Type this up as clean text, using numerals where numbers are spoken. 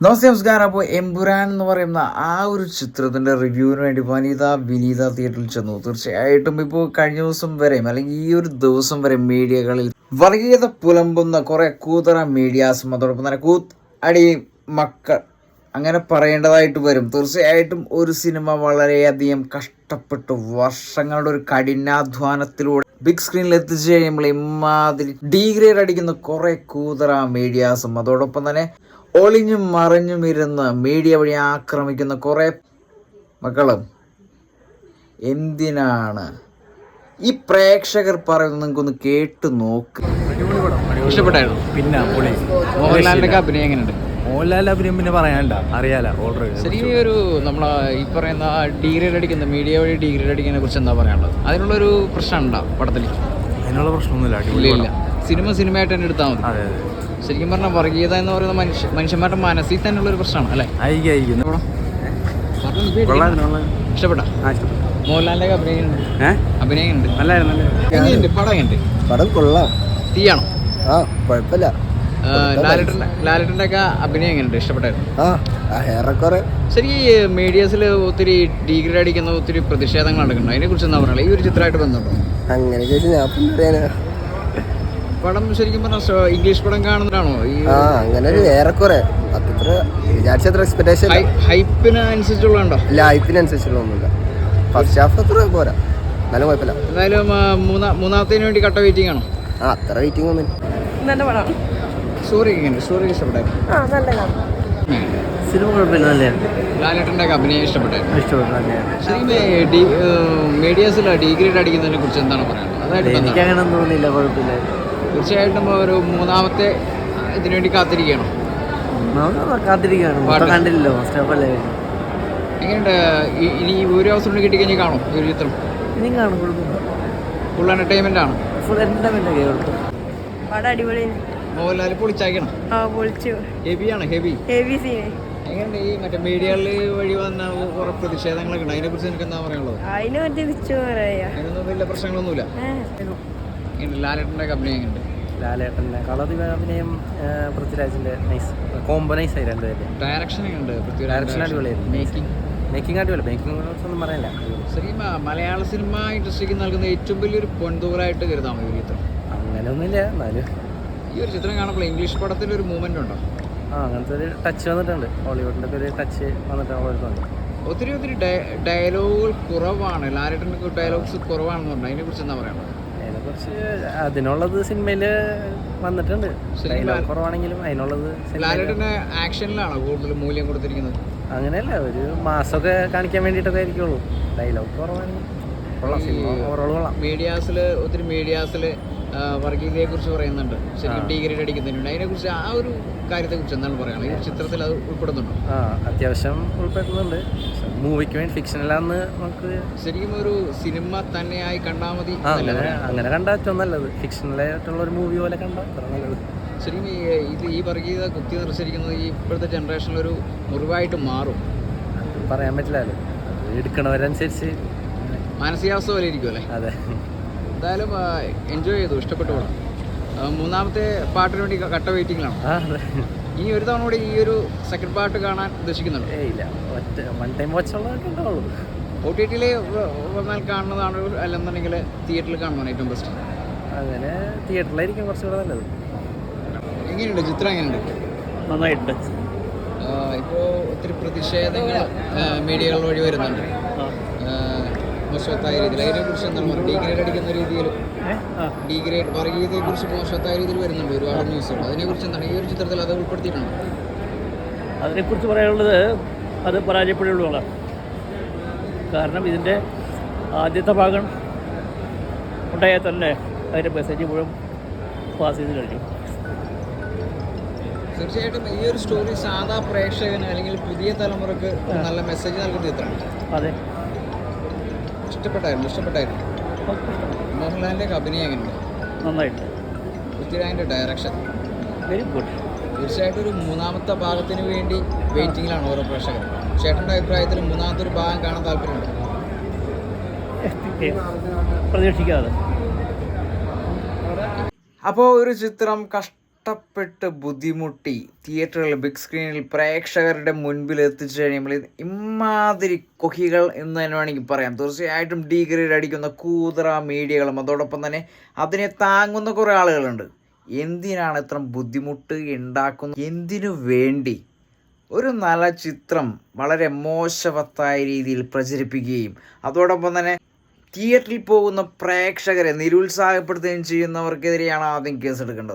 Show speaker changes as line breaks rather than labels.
നമസ്കാരം. അപ്പോൾ എമ്പുരാൻ എന്ന് പറയുന്ന ആ ഒരു ചിത്രത്തിൻ്റെ റിവ്യൂവിന് വേണ്ടി വിനീത തിയേറ്ററിൽ ചെന്നു. തീർച്ചയായിട്ടും ഇപ്പോൾ കഴിഞ്ഞ ദിവസം വരെയും അല്ലെങ്കിൽ ഈ ഒരു ദിവസം വരെ മീഡിയകളിൽ വർഗീയത പുലമ്പുന്ന കുറേ കൂതറ മീഡിയാസും അതോടൊപ്പം തന്നെ അടി മക്കൾ അങ്ങനെ പറയേണ്ടതായിട്ട് വരും. തീർച്ചയായിട്ടും ഒരു സിനിമ വളരെയധികം കഷ്ടപ്പെട്ട് വർഷങ്ങളുടെ ഒരു കഠിനാധ്വാനത്തിലൂടെ ബിഗ് സ്ക്രീനിൽ എത്തിച്ചു കഴിയുമ്പോൾ ഇമാതിരി ഡീഗ്രേഡ് അടിക്കുന്ന കുറേ കൂതറ മീഡിയാസും അതോടൊപ്പം തന്നെ ഒളിഞ്ഞും മറിഞ്ഞും ഇരുന്ന് മീഡിയ വഴി ആക്രമിക്കുന്ന കുറേ മക്കളും എന്തിനാണ് ഈ പ്രേക്ഷകർ പറയുന്നത്? നിങ്ങൾക്കൊന്ന് കേട്ട് നോക്ക്.
ഇഷ്ടപ്പെട്ടായിരുന്നു.
പിന്നെ
മോഹൻലാലിന്റെ അഭിനയം എങ്ങനെയുണ്ട്?
മോഹൻലാലിന്റെ അഭിനയം പിന്നെ പറയാനല്ല, അറിയാലോ ഓൾറെഡി.
ശരിക്കും ഒരു നമ്മളെ ഈ പറയുന്ന ഡീഗ്രേഡ് അടിക്കുന്ന മീഡിയ വഴി ഡീഗ്രേഡ് അടിക്കുന്നതിനെ കുറിച്ച് എന്താ പറയാനുള്ളത്? അതിനുള്ളൊരു പ്രശ്നം ഉണ്ടോ പടത്തിൽ?
അതിനുള്ള പ്രശ്നമൊന്നുമില്ല.
ഇല്ല. സിനിമയായിട്ട് തന്നെ എടുത്താൽ മതി.
അതെ.
ശരിക്കും പറഞ്ഞാൽ വർഗീയത എന്ന് പറയുന്ന മനുഷ്യന്മാരുടെ മനസ്സിൽ തന്നെയുള്ള ഒരു പ്രശ്നമാണ് അല്ലേ? ഇഷ്ടപ്പെട്ടാ? മോഹൻലാലിന്റെ അഭിനയം ഉണ്ട്. നല്ലായിരുന്നു.
പടം കൊള്ളാം.
തീയാണോ?
കുഴപ്പമില്ല.
ലാലേട്ടന്റെ ഒക്കെ അഭിനയം എങ്ങനെയുണ്ട്? ഇഷ്ടപ്പെട്ടായിരുന്നു? ശരി. മീഡിയസിൽ ഒത്തിരി ഡീഗ്രേഡ് അടിക്കുന്ന ഒത്തിരി പ്രതിഷേധങ്ങൾ നടക്കുന്നുണ്ട്. അതിനെ കുറിച്ച് എന്താ പറയുക? ഈ ഒരു ചിത്രമായിട്ട് ബന്ധമുണ്ടോ?
അങ്ങനെ
പടം ശരിക്കും പറഞ്ഞാൽ ഇംഗ്ലീഷ് പടം കാണുന്നതാണോ?
അങ്ങനെ ഏറെക്കുറെ വിചാരിച്ചത്ര എക്സ്പെക്ടേഷൻ
ഹൈപ്പിന് അനുസരിച്ചുള്ളതുണ്ടോ?
ഇല്ല, ഹൈപ്പിനനുസരിച്ചുള്ള ഒന്നുമില്ല. ഫസ്റ്റ് ഹാഫ് അത്ര പോരാ, എന്നാലും കുഴപ്പമില്ല.
എന്തായാലും മൂന്നാമത്തേന് വേണ്ടി കട്ട വെയിറ്റിംഗ് ആണോ?
അത്ര വെയിറ്റിംഗ് ഒന്നും.
നല്ല പടം.
സ്റ്റോറി ഇഷ്ടപ്പെട്ടായിരുന്നു.
സിനിമ കുഴപ്പമില്ല, നല്ലതാണ്.
ലാലേട്ടൻ്റെ ഒക്കെ അഭിനയം ഇഷ്ടപ്പെട്ടായിരുന്നു.
ഇഷ്ടപ്പെട്ടു.
മീഡിയസിൽ ഡീഗ്രേഡ് അടിക്കുന്നതിനെ കുറിച്ച് എന്താണ് പറയാനുള്ളത്?
എനിക്ക് അങ്ങനെ തോന്നിയില്ല, കുഴപ്പമില്ല.
തീർച്ചയായിട്ടും ഒരു മൂന്നാമത്തെ ഇതിനു വേണ്ടി കാത്തിരിക്കുകയാണോ?
കാത്തിരിക്കുകയാണ്. കണ്ടില്ലല്ലോ, ഫസ്റ്റ് ഹാഫ് അല്ലേ.
എങ്ങനെയുണ്ട്? ഇനി ഒരു അവസരം കിട്ടിക്കഴിഞ്ഞാൽ കാണും ഈ ഒരു ചിത്രം?
ഇനിയും കാണും, കുഴപ്പമില്ല.
ഫുൾ എന്റർടൈൻമെന്റ് ആണ്.
ഫുൾ എന്റർടൈൻമെന്റ് ഒക്കെ കുഴപ്പം.
പടം അടിപൊളി.
മോഹൻലാൽ പൊളിച്ചാക്കണം.
പൊളിച്ചു. Heavy scene.
എങ്ങനെയുണ്ട്? ഈ മറ്റേ മീഡിയകളിൽ വഴി വന്ന കുറെ പ്രതിഷേധങ്ങളൊക്കെ ഉണ്ട്. അതിനെ കുറിച്ച് എനിക്ക് എന്താ പറയാനുള്ളത്?
അതിനെ പറ്റി
അതിനൊന്നും വലിയ പ്രശ്നങ്ങളൊന്നുമില്ല. ലാലേട്ടൻ്റെ അഭിനയം എങ്ങനെയുണ്ട്?
ലാലേട്ടൻ്റെ അഭിനയം പൃഥ്വിരാജിന്റെ കോംബോ നൈസ് ആയി. രണ്ടുപേരും
ഡയറക്ഷൻ എങ്ങനെയുണ്ട്?
ഡയറക്ഷൻ അടിപൊളിയായിരുന്നു. മേക്കിംഗ് അടിപൊളി. മേക്കിംഗ് ഒന്നും പറയാനില്ല.
ശരിക്കും മലയാള സിനിമ ഇൻഡസ്ട്രിക്ക് നൽകുന്ന ഏറ്റവും വലിയൊരു പൊൻതൂറായിട്ട് കരുതാമോ ഈ ചിത്രം?
അങ്ങനെയൊന്നുമില്ല, എന്നാലും
ഈ ഒരു ചിത്രം കാണുമ്പോൾ ഇംഗ്ലീഷ് പടത്തിൻ്റെ ഒരു മൂവ്മെന്റ് ഉണ്ടോ?
അങ്ങനത്തെ ഒരു ടച്ച് വന്നിട്ടുണ്ട്. ഹോളിവുഡിൻ്റെ ഒക്കെ ഒരു ടച്ച് വന്നിട്ടുണ്ട്.
ഒത്തിരി ഡയലോഗുകൾ കുറവാണ്. ലാലേട്ടൻ്റെ ഡയലോഗ്സ് കുറവാണെന്ന് പറഞ്ഞു. അതിനെക്കുറിച്ച് എന്താ പറയുക?
അതിനെക്കുറിച്ച് അതിനുള്ളത് സിനിമയിൽ വന്നിട്ടുണ്ട്. ഡയലോഗ് കുറവാണെങ്കിലും അതിനുള്ളത്.
ലാലേട്ടൻ്റെ ആക്ഷനിലാണോ കൂടുതൽ മൂല്യം കൊടുത്തിരിക്കുന്നത്?
അങ്ങനെയല്ല, ഒരു മാസമൊക്കെ കാണിക്കാൻ വേണ്ടിയിട്ടൊക്കെ ആയിരിക്കുള്ളൂ. ഡയലോഗ് കുറവാണെങ്കിൽ കൊള്ളാം. സിനിമ ഓവറോൾ കൊള്ളാം.
ഒത്തിരി മീഡിയാസിൽ വർഗീയതയെ കുറിച്ച് പറയുന്നുണ്ട്. ശരിക്കും ഡീഗ്രേഡ് അടിക്കുന്നതിനുണ്ട്. അതിനെക്കുറിച്ച് ആ ഒരു കാര്യത്തെക്കുറിച്ച് എന്താണ് പറയുന്നത്? ഈ ചിത്രത്തിൽ അത് ഉൾപ്പെടുന്നുണ്ടോ?
അത്യാവശ്യം ഉൾപ്പെടുന്നുണ്ട്. മൂവിക്ക് വേണ്ടി ഫിക്ഷനല്ലാന്ന് നമുക്ക്
ശരിക്കും ഒരു സിനിമ തന്നെയായി കണ്ടാൽ മതി.
അങ്ങനെ കണ്ടാൽ ഏറ്റവും നല്ലത്. ഫിക്ഷണലായിട്ടുള്ള ഒരു മൂവി പോലെ കണ്ടാൽ അത്ര നല്ലത്.
ശരിക്കും ഈ വർഗീയത കുത്തി നിറച്ചിരിക്കുന്നത് ഈ ഇപ്പോഴത്തെ ജനറേഷനിലൊരു മുറിവായിട്ട് മാറും.
പറയാൻ പറ്റില്ലല്ലോ, എടുക്കണവരനുസരിച്ച്
മാനസികാവസ്ഥ പോലെ ഇരിക്കും അല്ലേ?
അതെ.
എന്തായാലും എൻജോയ് ചെയ്തു, ഇഷ്ടപ്പെട്ടു പോകണം. മൂന്നാമത്തെ പാട്ടിന് വേണ്ടി കട്ട വെയിറ്റിംഗിലാണ്. ഇനി ഒരു തവണ കൂടി ഈ ഒരു സെക്കൻഡ് പാർട്ട് കാണാൻ ഉദ്ദേശിക്കുന്നുണ്ട്?
ഇല്ല, വൺ ടൈം വാച്ചുള്ളതൊക്കെ ഉണ്ടാവുള്ളൂ.
OTT-യിൽ വന്നാൽ കാണുന്നതാണ്, അല്ലെന്നുണ്ടെങ്കിൽ തിയേറ്ററിൽ കാണുന്നതാണ് ഏറ്റവും ബെസ്റ്റ്?
അങ്ങനെ തിയേറ്ററിലായിരിക്കും കുറച്ചുകൂടെ നല്ലത്.
എങ്ങനെയുണ്ട് ചിത്രം? എങ്ങനെയുണ്ട്?
നന്നായിട്ടുണ്ട്.
ഇപ്പോൾ ഒത്തിരി പ്രതിഷേധങ്ങൾ മീഡിയകൾ വഴി വരുന്നുണ്ട് മോശവത്തായ രീതിയിൽ. അതിനെക്കുറിച്ച് എന്താണ് പറയുക? ഡീഗ്രേഡ് അടിക്കുന്ന രീതിയിൽ വർഗീയതയെക്കുറിച്ച് മോശവത്തായ രീതിയിൽ വരുന്നുണ്ട് ഒരുപാട് ന്യൂസുകൾ. അതിനെക്കുറിച്ച് എന്താണ് ഈ ഒരു ചിത്രത്തിൽ അത് ഉൾപ്പെടുത്തിയിട്ടുണ്ട്?
അതിനെക്കുറിച്ച് പറയാനുള്ളത്, അത് പരാജയപ്പെടുകയുള്ളൂ. കാരണം ഇതിൻ്റെ ആദ്യത്തെ ഭാഗം ഉണ്ടായാൽ തന്നെ അതിൻ്റെ മെസ്സേജ് മുഴുവൻ പാസ് ചെയ്ത് കഴിഞ്ഞു.
തീർച്ചയായിട്ടും ഈ ഒരു സ്റ്റോറി സാധാ പ്രേക്ഷകന് അല്ലെങ്കിൽ പുതിയ തലമുറക്ക് നല്ല മെസ്സേജ് നൽകുന്ന ചിത്രമാണ്.
അതെ.
ഇഷ്ടപ്പെട്ടായിരുന്നു. മോഹൻലാലിൻ്റെ അഭിനയം എങ്ങനെയുണ്ട്?
നന്നായിട്ട്.
പൃഥ്വിരാജിൻ്റെ ഡയറക്ഷൻ
വെരി ഗുഡ്.
തീർച്ചയായിട്ടും ഒരു മൂന്നാമത്തെ ഭാഗത്തിന് വേണ്ടി വെയിറ്റിങ്ങിലാണ് ഓരോ പ്രേക്ഷകർ. ചേട്ടൻ്റെ അഭിപ്രായത്തിൽ മൂന്നാമത്തെ ഒരു ഭാഗം കാണാൻ താല്പര്യമുണ്ട്?
പ്രതീക്ഷിക്കാതെ.
അപ്പോൾ ഒരു ചിത്രം കഷ്ടപ്പെട്ട് ബുദ്ധിമുട്ടി തിയേറ്ററുകളിൽ ബിഗ് സ്ക്രീനിൽ പ്രേക്ഷകരുടെ മുൻപിൽ എത്തിച്ചു കഴിയുമ്പോൾ ഇമാതിരി കൊഹികൾ എന്ന് തന്നെ വേണമെങ്കിൽ പറയാം. തീർച്ചയായിട്ടും ഡീഗ്രേഡ് അടിക്കുന്ന കൂതറ മീഡിയകളും അതോടൊപ്പം തന്നെ അതിനെ താങ്ങുന്ന കുറേ ആളുകളുണ്ട്. എന്തിനാണ് ഇത്ര ബുദ്ധിമുട്ട് ഉണ്ടാക്കുന്നത്? എന്തിനു വേണ്ടി? ഒരു നല്ല ചിത്രം വളരെ മോശവത്തായ രീതിയിൽ പ്രചരിപ്പിക്കുകയും അതോടൊപ്പം തന്നെ തിയേറ്ററിൽ പോകുന്ന പ്രേക്ഷകരെ നിരുത്സാഹപ്പെടുത്തുകയും ചെയ്യുന്നവർക്കെതിരെയാണ് ആദ്യം കേസെടുക്കേണ്ടത്.